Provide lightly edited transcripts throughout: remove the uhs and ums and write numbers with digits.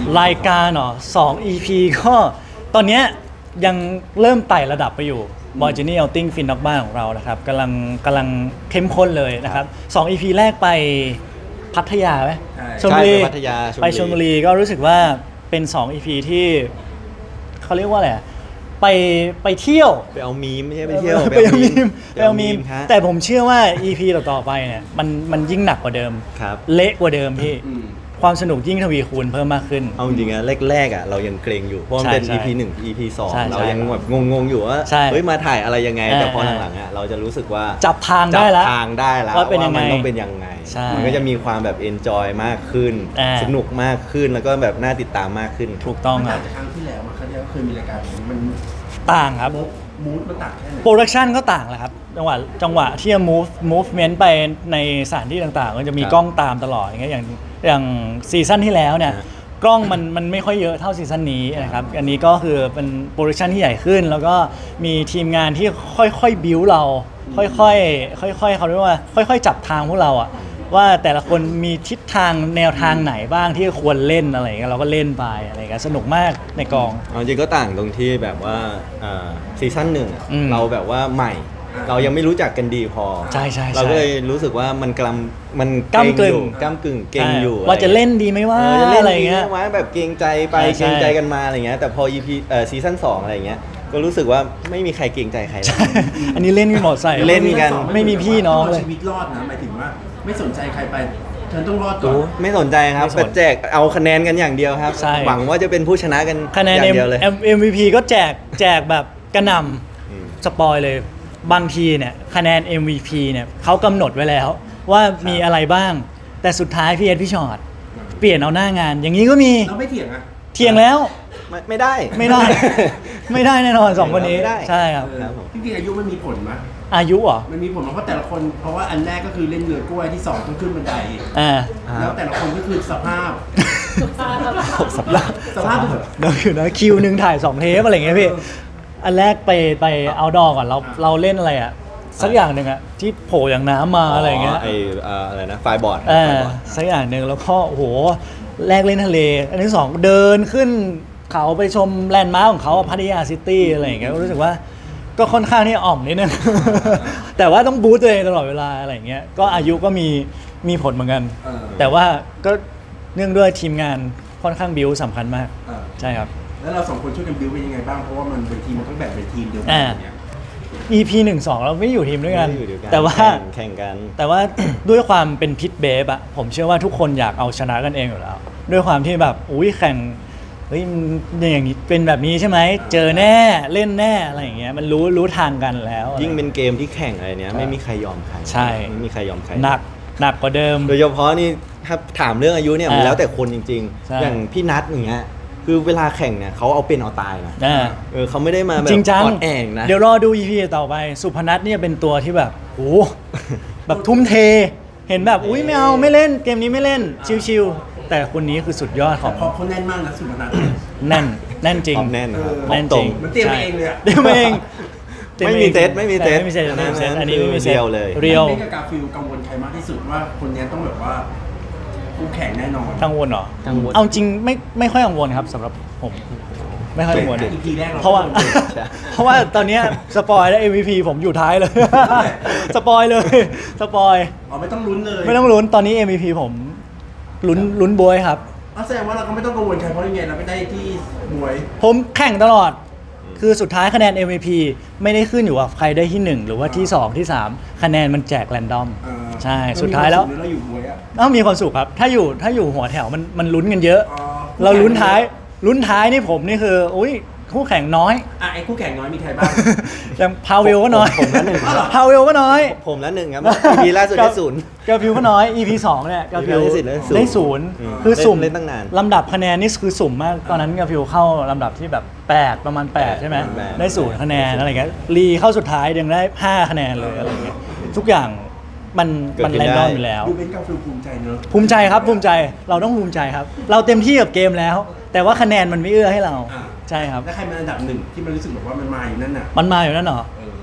รายการเหรอ2 EP ก็ตอนเนี้ยยังเริ่มไต่ระดับไปอยู่ Boyjourney Outing ฟินนอกบ้านของเรานะครับกำลังเข้มข้นเลยนะครับ2 EP แรกไปพัทยาไหมชลบุรีไปพัทยาไปชลบุรีก็รู้สึกว่าเป็น2 EP ที่เขาเรียกว่าอะไรไปเที่ยวไปเอามีมไม่ใช่ไปเที่ยวไปเอามีมไปเอามีมฮะแต่ผมเชื่อว่า EP ต่อๆไปเนี่ยมันยิ่งหนักกว่าเดิมครับเละกว่าเดิมพี่ความสนุกยิ่งทวีคูณเพิ่มมากขึ้นเอาจริงๆอะแรกๆอะเรายังเกรงอยู่เพราะมันเป็นใช่ EP 1 EP ใช่ 2เรายังแบบงงๆอยู่ว่าใช่เฮ้ยมาถ่ายอะไรยังไงแต่พอเออหลังๆอะเราจะรู้สึกว่าจับทางได้แล้วจับทางได้แล้วว่าเป็นยังไงมันต้องเป็นยังไงใช่มันก็จะมีความแบบ enjoy มากขึ้น สนุกมากขึ้นแล้วก็แบบน่าติดตามมากขึ้นถูกต้องมันคต่ารับงจากครั้งที่แล้วมาครั้งที่แล้วเคยมีรายการแบบนี้มันต่างครับมูดมันต่างแค่ไหนโปรดักชันก็ต่างแหละครับจังหวะที่จะ movement ไปในสถานที่ต่างๆ ก็จะมีครับกล้องตามตลอดอย่างซีซั่นที่แล้วเนี่ยฮะกล้องมันไม่ค่อยเยอะเท่าซีซั่นนี้นะครับอันนี้ก็คือเป็นโปรดักชันที่ใหญ่ขึ้น แล้วก็มีทีมงานที่ค่อยๆบิวเราค่อยๆเขาเรียกว่าค่อยๆจับทางพวกเราอะว่าแต่ละคนมีทิศทางแนวทางไหนบ้างที่ควรเล่นอะไรอย่างเงี้ยเราก็เล่นไปอะไรอย่างเงี้ยสนุกมากในกองเอาจริงก็ต่างตรงที่แบบว่าซีซั่นหนึ่งอะอืมเราแบบว่าใหม่ เรายังไม่รู้จักกันดีพอใช่เราก็เลยรู้สึกว่ามันมันก้ำกึ่งก้ำกึ่งเก่งอยู่ว่าจะเล่นดีไหมว่าจะเล่นอะไรอดีย่างเงี้ยไหมแบบเกรงใจไปใช่เกรงใจกันมาอะไรเงี้ยแต่พอ EP ซีซั่น2อะไรเงี้ยก็รู้สึกว่าไม่มีใครเกรงใจใครเลยอันนี้เล่นกันหมดใส่เล่นกันไม่มีพี่น้องเลยชีวิตรอดนะหมายถึงว่าไม่สนใจใครไปเธอต้องรอดก่อนไม่สนใจครับไม่สนแต่แจกเอาคะแนนกันอย่างเดียวครับใช่หวังว่าจะเป็นผู้ชนะกันคะแนนอย่างเดียวเลย MVP ก็แจกแบบกระหนอืมำสปอยเลยบางทีเนี่ยคะแนน MVP เนี่ยเขากำหนดไว้แล้ว ว่ามีอะไรบ้าง แต่สุดท้ายพี่เอ็ดพี่ชอตเปลี่ยนเอาหน้างาน อย่างนี้ก็มีเราไม่เถียงอ่ะเทียงแล้วไม่ได้ไม่ได้ ไม่ได้แน่นอน2คนนี้ไม่ได้ใช่ครับครับผมจริงๆอายุมันมีผลไหมอายุเหรอมันมีผลไหมเพราะแต่ละคนเพราะว่าอันแรกก็คือเล่นเรือกล้วยที่สองต้องขึ้นบันไดอ่าแล้วแต่ละคนก็คือสภาพสัปดาห์สภาพแบบเดี๋ยวอยู่นะคิวหนึ่งถ่าย2 เทปอะไรอย่างเงี้ยพี่ อันแรกไปเอาดอก่อนเราเล่นอะไรอะสักอย่างหนึ่งอะที่โผล่อย่างน้ำมาอะไรอย่างเงี้ยอะไรนะไฟบอร์ดสักอย่างหนึ่งแล้วก็โอ้โหแรกเล่นทะเล อันที่สองเดินขึ้นเขาไปชมแลนด์มาร์คของเขาอะพัทยาซิตี้อะไรอย่างเงี้ยรู้สึกว่าก็ค่อนข้างที่อ่อมนิดนึง แต่ว่าต้องบูสต์ตัวเองตลอดเวลาอะไรอย่างเงี้ยก็อายุก็มีผลเหมือนกัน แต่ว่าก็เนื่องด้วยทีมงานค่อนข้างบิวสำคัญมากใช่ครับแล้วเราสองคนช่วยกันบิวเป็นยังไงบ้างเพราะว่ามันเป็นทีมมันต้องแบ่งเป็นทีมเดียวกัอ่าอย่างเงี้ย EP 1-2 เราไม่อยู่ทีมด้วยกันไม่ได้อยู่ด้วยกันแต่ว่าแข่งกันแต่ว่า ด้วยความเป็นพิทเบฟอะผมเชื่อว่าทุกคนอยากเอาชนะกันเองอยู่แล้ว ด้วยความที่แบบอุ้ยแข่งเฮ้ยมันอย่างนี้เป็นแบบนี้ใช่ไหมเจอแน่เล่นแน่อะไรอย่างเงี้ยมันรู้ทางกันแล้วยิ่งเป็นเกมที่แข่งอะไรเนี้ยไม่มีใครยอมใครใช่ไม่มีใครยอมใครหนักกว่าเดิมโดยเฉพาะนี่ถ้าถามเรื่องอายุเนี่ยมันอ่าแล้วแต่คนจริงใช่ๆ อย่างพี่นัทอย่างเงี้ยคือเวลาแข่งเนี่ยเขาเอาเป็นเอาตายนะอ่าเขาไม่ได้มาแบบจริงจังอ่อนแองนะเดี๋ยวรอดู EP ต่อไป สุพนัทเนี่ยเป็นตัวที่แบบโอ้แบบทุ่มเท เห็นแบบอุ้ยไม่เอาไม่เล่นเกมนี้ไม่เล่นชิวๆแต่คนนี้คือสุดยอดขแต่องพอเขาแน่นมากนะสุพนัทแน่นจริงความแน่นนะครับแน่นตจรริงงมันเตรียมมาเองเลยอะเตรียมมาเองไม่มีเซตไม่มีเซตไม่มีเซตอันนี้ไม่มีเซตเรียวเลยเรียวเบนกับกาฟิลกังวลใครมากที่สุดว่าคนเนี้ยต้องแบบว่าคู่แข่งแน่นอนกังวลเหรอกังวลเอาจริงไม่ค่อยกังวลครับสำหรับผมไม่ค่อยกังวล EP แรกเราเพราะว่าใช่เพราะว่าตอนเนี้ยสปอยแล้ว MVP ผมอยู่ท้ายเลย สปอยเลยสปอยอ๋อไม่ต้องลุ้นเลยไม่ต้องลุ้นตอนนี้ MVP ผมลุ้นบวยครับอ๋อแสดงว่าเราก็ไม่ต้องกังวลใครเพราะยังไงเราไม่ได้ที่มวยผมแข่งตลอด คือสุดท้ายคะแนน MVP ไม่ได้ขึ้นอยู่กับใครได้ที่ 1 หรือว่าที่ 2 ที่ 3 คะแนนมันแจกแรนดอม ใช่ สุดท้ายแล้วเราอยู่มวยอะต้องมีความสุขครับ ถ้าอยู่หัวแถวมันลุ้นกันเยอะอ๋อเราลุ้นท้ายนี่ผมนี่คืออุ้ยคู่แข่งน้อยอ่ะไอ้คู่แข่งน้อยมีใครบ้างอย่างพาเวลก็น้อยผมละหนึ่งพาเวลก็น้อยผมละหนึ่งครับ EP ล่าสุดได้ศูนย์กาฟิวก็น้อย EP 2เนี่ยกาฟิวได้ศูนย์ได้0คือสุ่มเล่นตั้งนานลำดับคะแนนนี่คือสุ่มมาก ตอนนั้นกาฟิวเข้าลำดับที่แบบ 8 ประมาณ 8 ใช่ไหมแปดได้0คะแนนอะไรเงี้ยรีเข้าสุดท้ายยังได้ 5 คะแนนเลยอะไรเงี้ยทุกอย่างมันแรนดอมอยู่แล้วดูเป็นกาฟิลภูมิใจเนอะภูมิใจครับภูมิใจเราต้องภูมิใจครับ เราเต็มที่กับเกมแล้ว แต่ว่าคะแนนมันไม่เอื้อให้เราอ่าใช่ครับแล้วใครเป็นอันดับหนึ่งที่มันรู้สึกแบบว่ามันมาอยู่นั่นน่ะมันมาอยู่นั่นเหรอเออ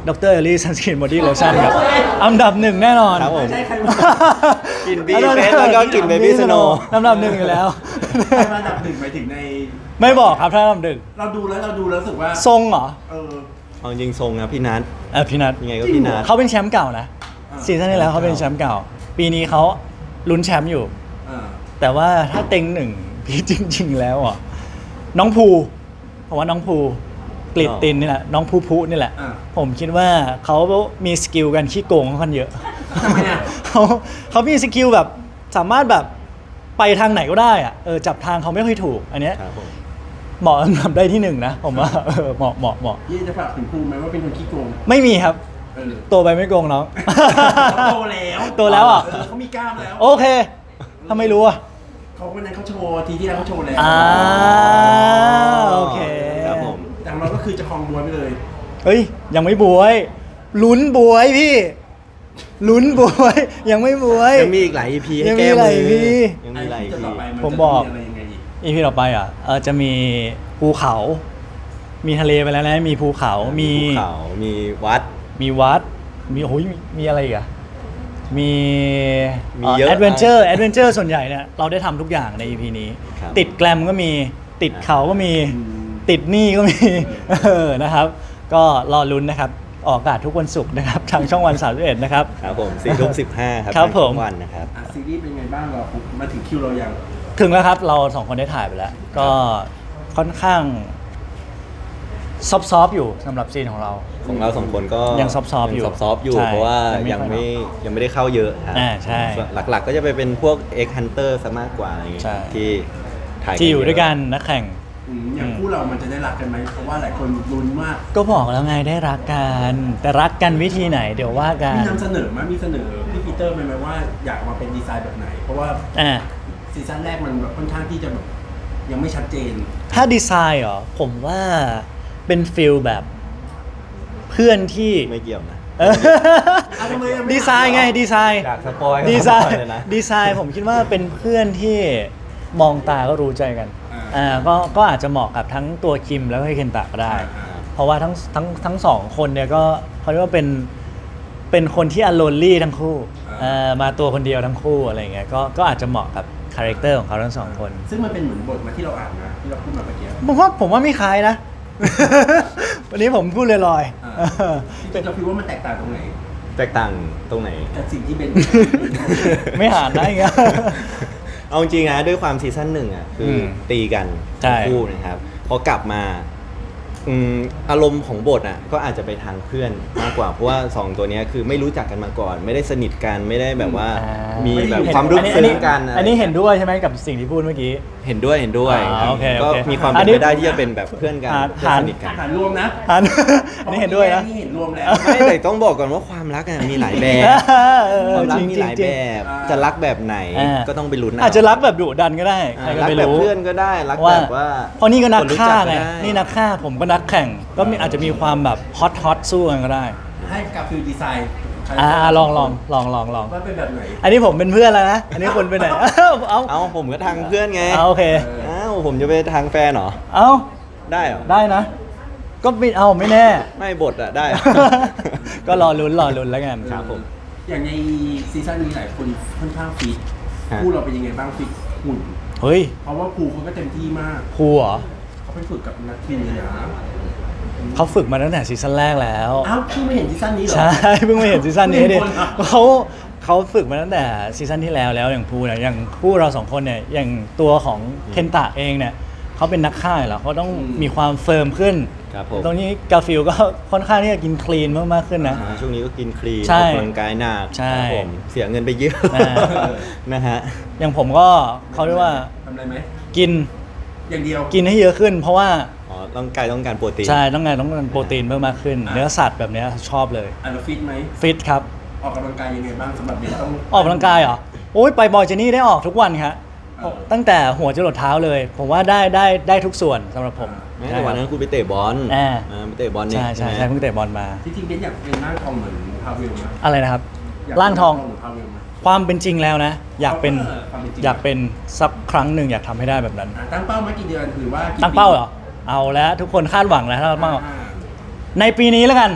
ดรเอลลี่ซันสกินบอดี้โลชั่นครับอันดับหนึ่งแน่นอนครับผมไม่ใช่ใครมากิน BFS แล้วก็กิน Baby Snow อันดับหนึ่งอยู่แล้วใครมาอันดับหนึ่งหมายถึงในไม่บอกครับถ้าอันดับหนึ่งเราดูแล้วรู้สึกว่าทรงเหรอเออเอาจริงทรงนะพี่นัทพี่นัทยังไงก็พี่นัทเขาเป็นแชมป์เก่านะอ่าซีซั่นที่แล้วเขาเป็นแชมป์เก่า ปีนี้เขาลุ้นแชมป์อยู่อ่าแต่ว่าถ้าเต็งหนึ่งพี่จริง ๆ แล้วอ่ะน้องภูผมว่าน้องภูกลิดตินนี่แหละน้องภูภูนี่แหละอ่าผมคิดว่าเขามีสกิลกันขี้โกงค่อนข้างเยอะทำไมอ่ะเขามีสกิลแบบสามารถแบบไปทางไหนก็ได้อะจับทางเขาไม่ค่อยถูก อันเนี้ยครับผมเหมาะอันดับได้ที่หนึ่งนะผมว่าเหมาะยี่จะฝากถึงภูมิไหมว่าเป็นคนขี้โกงไม่มีครับเออโตไปไม่โกงน้องเขาโตแล้วโตแล้วอ่ะเขามีกล้ามแล้วโอเคทำไมรู้อ่ะเขาวันนั้นเขาโชว์ทีที่แล้วเขาโชว์แล้วโอเคครับผมแต่ของเราก็คือจะคลองบัวไปเลยเฮ้ยยังไม่บวยลุ้นบวยพี่ลุ้นบวยยังไม่บวยยังมีอีกหลาย EP ให้ยังมีแก้หมืลายอ EP ยังมีหลายไอ้ที่ EP ต่อไปนผมบอกจะอะไรยังไงอีกอีพีต่อไปอ่ะจะมีภูเขา มีทะเลไปแล้วนะมีภูเขา มีภูเขามีวัดมีวัด มีโอ้ยมีอะไรอีกอ่ะมีมีเยอะแอดเวนเจอร์ส่วนใหญ่เนี่ยเราได้ทำทุกอย่างใน EP นี้ครับติดแกลมก็มีติดเขาก็มีอืมติดหนี้ก็มี นะครับ ก็รอลุ้นนะครับ ออกอากาศทุกวันศุกร์นะครับ ทางช่องวัน31นะครับครับผม4:15ครับครับผมทางช่องวันนะครับอ่ะซีรีส์เป็นไงบ้างเรามาถึงคิวเรายังถึงแล้วครับ เราสองคนได้ถ่ายไปแล้ว ก็ค่อนข้างซอฟๆอยู่สำหรับซีนของเราของเราสองคนก็ยังซอฟต์ๆอยู่ซอฟต์ๆอยู่ใช่เพราะว่ายัยัง งไม่ไม่ได้เข้าเยอะครับใช่ส่วนหลักๆก็จะไปเป็นพวก X Hunter ซะมากกว่าอะไรเงี้ยใช่ที่ถ่ายที่อยู่ด้วยกันนักแข่งอย่างคู่เรามันจะได้รักกันไหมเพราะว่าหลายคนลุ้นมากก็บอกแล้วไงได้รักกัน แต่รักกันวิธีไหนเดี๋ยวว่ากันมีนำเสนอไหมมีเสนอพี่ปีเตอร์ไหมว่าอยากมาเป็นดีไซน์แบบไหน เพราะว่าอ่าซีซั่นแรกมันแบบค่อนข้างที่จะแบบยังไม่ชัดเจนถ้าดีไซน์เหรอผมว่าเป็นฟิลแบบเพื่อนที่ไม่เกี่ยวนะเอออ่ะทำไมอ่ะไม่ดีไซน์ไงดีไซน์อยากสปอยดีไซน์เลยนะดีไซน์ผมคิดว่าเป็นเพื่อนที่มองตาก็รู้ใจกันก็อาจจะเหมาะกับทั้งตัวคิมแล้วก็เคนตะก็ได้ เพราะว่าทั้งสองคนเนี่ยก็เขาเรียกว่าเป็นคนที่อโลนลี่ทั้งคู่มาตัวคนเดียวทั้งคู่อะไรเงี้ยก็อาจจะเหมาะกับคาแรคเตอร์ของเขาทั้งสองคนซึ่งมันเป็นเหมือนบทมาที่เราอ่านนะที่เราพูดมาเมื่อกี้ผมว่าไม่คล้ายนะ วันนี้ผมพูดลอยอ่าจริงๆเราคิดว่ามันแตกต่างตรงไหนแตกต่างตรงไหนจากสิ่งที่เป็นๆ ไม่หานได้ไงเอาจริงๆนะด้วยความซีซั่นหนึ่งอ่ะคืออมตีกันใช่ทั้งคู่นะครับพอกลับมาอารมณ์ของบทอ่ะก็อาจจะไปทางเพื่อนมากกว่าเพราะว่าสองตัวเนี้ยคือไม่รู้จักกันมาก่อน ไม่ได้สนิทกันไม่ได้แบบว่ามีแบบความรู้ซึ้งกันอันนี้เห็นด้วยใช่ไหมกับสิ่งที่พูดเมื่อกี้เห็นด้วยครับโอเคก็โอเคมีความอัเป็น นนี้ไปได้ที่จะเป็นแบบเพื่อนกันหาเพื่อนสนิทกันอาหารรวมนะอัน อันนี้เห็นด้วยนะนี่เห็นรวมแล้วไม่แต่ต้องบอกก่อนว่าความรักอะมีหลายแบบ ความรักมีหลายแบบอ่าจะรักแบบไหนอ่าก็ต้องไปลุ้นเอาจจะรักแบบดุดันก็ได้ใครก็รักไม่แบบรู้เพื่อนก็ได้รักแบบว่าเพราะนี่ก็นักครู้ฆ่าจัไงด้นี่นักฆ่าผมก็นักแข่ง ก็อาจจะมีความแบบฮอตสู้กันก็ได้ให้กับฟิลดีไซน์ลองว่าเป็นแบบไหนอันนี้ผมเป็นเพื่อนแล้วนะ อันนี้คนไปไหน เอาเอ้าผมก็ทางเพื่อนไงเอาโอเคเออเอ้าผมจะไปทางแฟนเหรอเอาได้เหรอได้นะ ก็ไม่แน่ไม่บทอะได้ก็รอลุ้นแล้วกันครับผมอย่างในซีซั่นนี้หลายคนค่อนข้างฟิตฮะคู่เราเป็นยังไงบ้างฟิตหุ่นเฮ้ยเพราะว่าครูเขาก็เต็มที่มากครูเหรอเขาไปฝึกกับนักทีมเลยนะเขาฝึกมาตั้งแต่ซีซั่นแรกแล้วอ้าวพี่ไม่เห็นซีซั่นนี้เหรอใช่ เพิ่งมาเห็นซีซั่นนี้ดิไม่เห็นคนเหรอเขาฝึกมาตั้งแต่ซีซั่นที่แล้วอย่างภูเนี่ยอย่างคู่เราสองคนเนี่ยอย่างตัวของเคนตะเองเนี่ยเขาเป็นนักฆ่าอยู่แล้วเขาต้องมีความเฟิร์มขึ้นครับผมตรงนี้กาฟิลก็ค่อนข้างที่จะกินคลีนมากๆขึ้นนะช่วงนี้ก็กินคลีนใช่ออกกำลังกายหนักใช่ครับผมเสียเงินไปเยอะอ่านะฮะอย่างผมก็เขาเรียกว่าทำอะไรไหมกินอย่างเดียวกินให้เยอะขึ้น เพราะว่าอ๋อร่างกายต้องการโปรตีนใช่ต้องการโปรตีนเพิ่มมากขึ้น เนื้อสัตว์แบบเนี้ยชอบเลยอ่ะเราฟิตไหมฟิตครับออกกำลังกายยังไงบ้างสำหรับเบนต้องออกกำลังกายเหรอโอ้ยไปบอยเจนี่ได้ออกทุกวันครับอ่าตั้งแต่หัวจรดเท้าเลย ผมว่าได้ทุกส่วนสำหรับผมแม้แต่วันนั้นคุณไปเตะบอลอ่าไปเตะบอลเนี่ยใช่ไหมเพิ่งเตะบอลมาที่จริงเบนอยากเป็นร่างทองเหมือนพาเวลนะอะไรนะครับยกร่างทองเหมือนพาเวลไหมความเป็นจริงแล้วนะ อยากเป็นความเป็นจริงอยากเป็นสักครั้งหนึ่งอยากทำให้ได้แบบนั้นอ่ะตั้งเป้ามากี่เดือนหรือว่ากี่ตั้งเป้าเหรอ เอาแล้วทุกคนคาดหวังแล้วตั้งเป้าอ่าในปีนี้แล้วกัน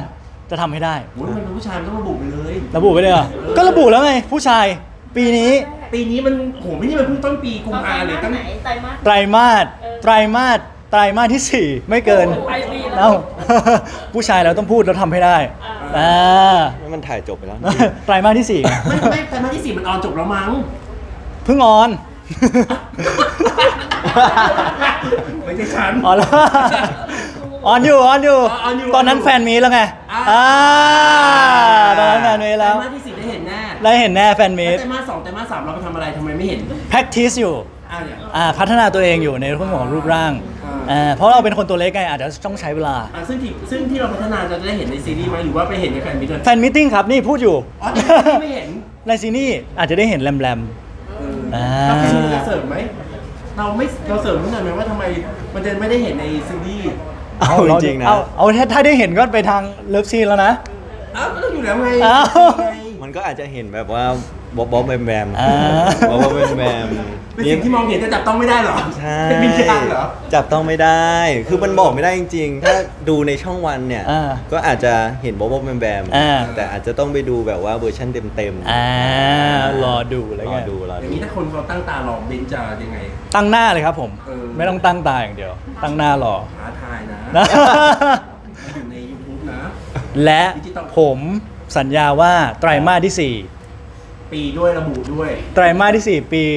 จะทำให้ได้โอ้ยมันเป็นผู้ชายมันต้องระบุไปเลยระบุไปเลยเหรอก็ระบุแล้วไงผู้ชายปีนี้ปีนี้มันโหไม่ใช่มันเพิ่งต้นปีกุมภาเลยตั้งไหนไตรมาสไตรมาสไตรมาสที่ 4 ไม่เกินปลายปีแล้วเอ้า ผู้ชายเราต้องพูดแล้วทำให้ได้อ่ามันถ่ายจบไปแล้วไตรมาสที่ 4 ไม่แต่มาที่สี่มันออนจบแล้วมั้งเพิ่งออนไม่ใช่ฉันออนแล้วออนอยู่ออนอยู่ตอนนั้นแฟนมีแล้วไงอ่าตอนนั้นแฟนมีแล้วไตรมาสที่สี่ได้เห็นแน่ได้เห็นแน่แฟนมีไตรมาสสองไตรมาสสามเราไปทำอะไรทำไมไม่เห็น practice อยู่เนี่ยพัฒนาตัวเองอยู่ในเรื่องของรูปร่างอ่าเพราะเราเป็นคนตัวเล็กไงอาจจะต้องใช้เวลาซึ่งที่เราพัฒนาจะได้เห็นในซีรีส์ไหมหรือว่าไปเห็นในแฟนมิตรแฟนมิทติ้งครับนี่พูดอยู่อ๋อแต่ซีรีส์ไม่เห็นในซีนี่อาจจะได้เห็นแรม อ่าเราซีรีส์จะเสริมไหมเราเสริมนิดหน่อยไหมว่าทำไมมันจะไม่ได้เห็นในซีรีส์ๆเอาจริงๆนะเอาถ้าได้เห็นก็ไปทางเลิฟซีนแล้วนะอ้าวก็ต้องอยู่แล้วไงอ้าวมันก็อาจจะเห็นแบบว่าบ๊อบแบมแบมอ่าบ๊อบแบมแบมเป็นสิ่งที่มองเห็นแต่จับต้องไม่ได้เหรอใช่เป็นวิญญาณเหรอจับต้องไม่ได้ คือมันบอกไม่ได้จริงๆ ถ้าดูในช่องวันเนี่ยอ่าก็อาจจะเห็นบ๊อบแบมแบมอ่าแต่อาจจะต้องไปดูแบบว่าเวอร์ชันเต็มๆรอดูแล้วรไงอดูรออย่าดูงนี้ถ้าคนเขาตั้งตารอเบนจะยังไงตั้งหน้าเลยครับผมเออไม่ต้องตั้งตาอย่างเดียว ตั้งหน้ารอท้าทายนะนะอยู่ใน YouTube นะและดิจิตอลผมสัญญาว่าไตรมาสที่ปีด้วยระบุด้วย 4 ไตรมาสที่ 4 ปี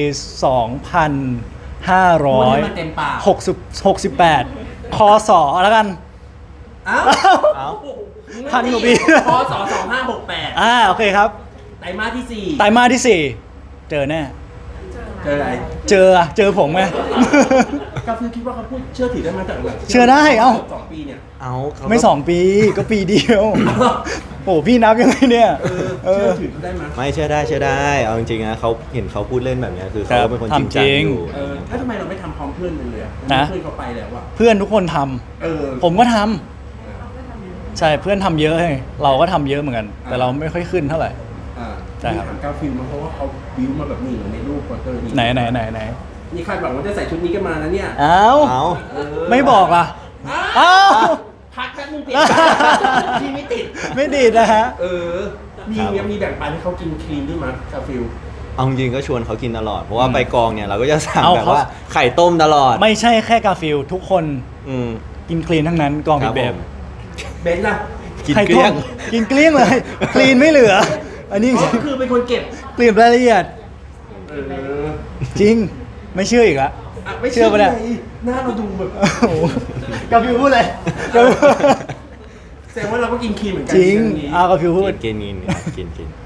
พูดให้มันเต็มปาก 2568 คศแล้วกันอ้าวเอ้าพันกว่าปีพศ2568 โอเคครับไตรมาสที่ไตรมาสที่ 4 เจอแน่ 4 เจออะไรเจอผมไงก็คือคิดว่าเขาพูดเชื่อถือได้มาจากหลังเชื่อได้เอ้า 2 ปีเนี่ยเอาเขาก็ไม่ 2 ปีก็ปีเดียว โอ้พี่นับยังไงเนี่ยเชื่อถือเขาได้ไหมไม่เชื่อได้ เอาจริงๆนะเขาเห็นเขาพูดเล่นแบบเนี้ยคือเขาครัก็บเป็นคนจริงจังทำจริงอยู่แล้วทำไมเราไม่ทำพร้อมเพื่อนเลยอะนะเพื่อนเขาไปแล้วอะเพื่อนทุกคนทำเออผมก็ทำใช่เพื่อนทำเยอะไงเราก็ทำเยอะเหมือนกัน แต่เราไม่ค่อยขึ้นเท่าไหร่อ่าใช่ครับถามกาฟิลมาเพราะว่าเขาบิวมาแบบนี้ในรูปโปสเตอร์นี้ไหนนี่คาดหวังว่าจะใส่ชุดนี้กันมานะเนี่ยเอ้าเอาเออไม่บอกล่ะเอ้าพักแป๊บนึงเปลี่ยนที่ไม่ติดไม่ดีดนะฮะเออ มีแบ่งปันให้เขากินคลีนด้วยมั้ยกาฟิลเอาจริงๆก็ชวนเขากินตลอด เพราะว่าไปกองเนี่ยเราก็จะสั่งเอาแบบเขาว่าไข่ต้มตลอดไม่ใช่แค่กาฟิลทุกคนอืมกินคลีนทั้งนั้นกองคบิรัดบเบผมมเบนซ์ล่ะกินไข่เกลี้ยงต้มกินเกลี้ยงเลย คลีนไม่เหลือ อันนี้อ๋อก็คือเป็นคนเก็บเปลี่ยนรายละเอียดเออจริง ไม่เชื่ออีกละอ่ะไม่เชื่เชื่ออปะเนี่ยไงหน้าเราดูแบบโอ้โหกาฟิลพูดเลยกาฟิลแสดงว่าเราก็กินคลีนเหมือนกัจริงเรื่องนี้กาฟิลพูดกินกิน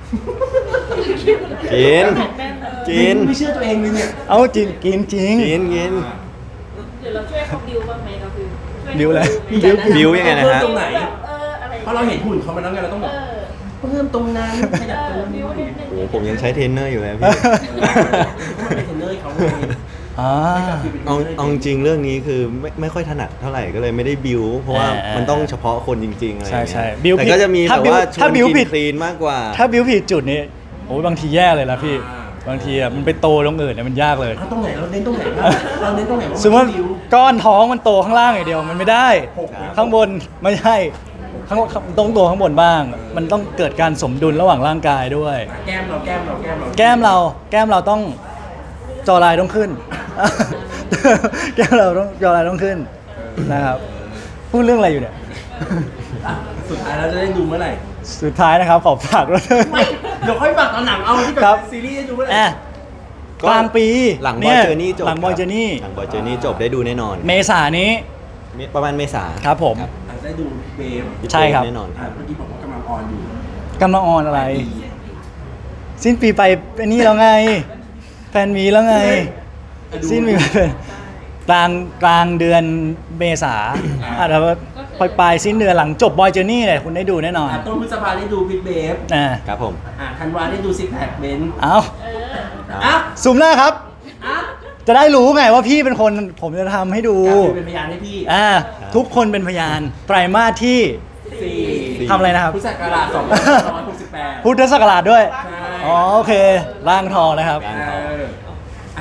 กินไม่เชื่อตัวเองเลยเนี่ยเอาจริงกินจริงกินหรือเราช่วยเขาดิวบ้างไหมเราคือช่วดิวอะไรมีการแนะนำบิวยังไงนะฮะเพิ่มตรงไหนอะไรเพราะเราเห็นหุ่นเขามาแล้วไงเราต้องแบบเพิ่มตรงนั้นขยับตรงนี้ดิวนิดนึงโอ้โหผมยังใช้เทรนเนอร์อยู่เลยพี่มันเป็นเทรนเนอร์ให้เขาไงอ่าเอาจริงๆเรื่องนี้คือไม่ค่อยถนัดเท่าไหร่ก็เลยไม่ได้บิวเพราะว่ามันต้องเฉพาะคนจริงๆอะไรอย่างใช่เงี้ยบิวแต่ผิดก็จะมีถ้าแบบบิวว่าชถ้าวนบิวกิผิดนคลีนมากกว่าถ้าบิวผิดจุดนี้โอ้ยบางทีแย่เลยนะพี่ บางทีอ่ะมันไปโตตรงอื่นเนี่ยมันยากเลยเอาตรงไหนเราเน้นตรงไหนบ้างเราเน้นตรงไหนบ้างสมมติว่าดิวก้อนท้องมันโตข้างล่างอย่างเดียวมันไม่ได้ ข้างบนไม่ใช่ต้องโตข้างบนบ้าง มันต้องเกิดการสมดุลระหว่างร่างกายด้วยแก้มเราแก้มเราต้องจอลายต้องขึ้น แก้มเราต้องจอลายต้องขึ้นนะครับพูดเรื่องอะไรอยู่เนี่ยอ่ะสุดท้ายเราจะได้ดูเมื่อไหร่สุดท้ายนะครับขอฝากด้วยไม่เดี๋ยวค่อยฝากตอนหนังเอาที่ครัแบบ บซีรีส์ให้ดูเมื่อไหร่อ่ะกลางปีหลังบนี่อยเจอร์นี่จบหลังบอยเจอร์นี่หลังบอยเจอร์นี่จบได้ดูแน่นอนเมษานี้ประมาณเมษาครับผมอาจจะได้ดูเบฟใช่ครับแน่นอนอ่ะเมื่อกี้บอกว่ากำลังออนอยู่กำลังออนอะไร สิ้นปีไปอันนี้แล้วไง แฟนมีแล้วไง สิ้นปีไปกลางเดือนเมษาอาจจะปลายสิ้นเดือนหลังจบบอยเจอร์นี่เลยคุณได้ดูแน่นอนอ่ะต้นพฤษภาได้ดูพิทเบฟครับผมธันวาได้ดูซิกแพคเบนซ์เอาอ่ะซูมหน้าครับอ่ะจะได้รู้ไงว่าพี่เป็นคนผมจะทำให้ดูกาฟิลเป็นพยานให้พี่ทุกคนเป็นพยาน ไตรมาสที่ 4 ทำอะไรนะครับพุทธศักราช2568 พุทธศักราชด้วยใช่อ๋อโอเค ร่างทองนะครับร่างทอง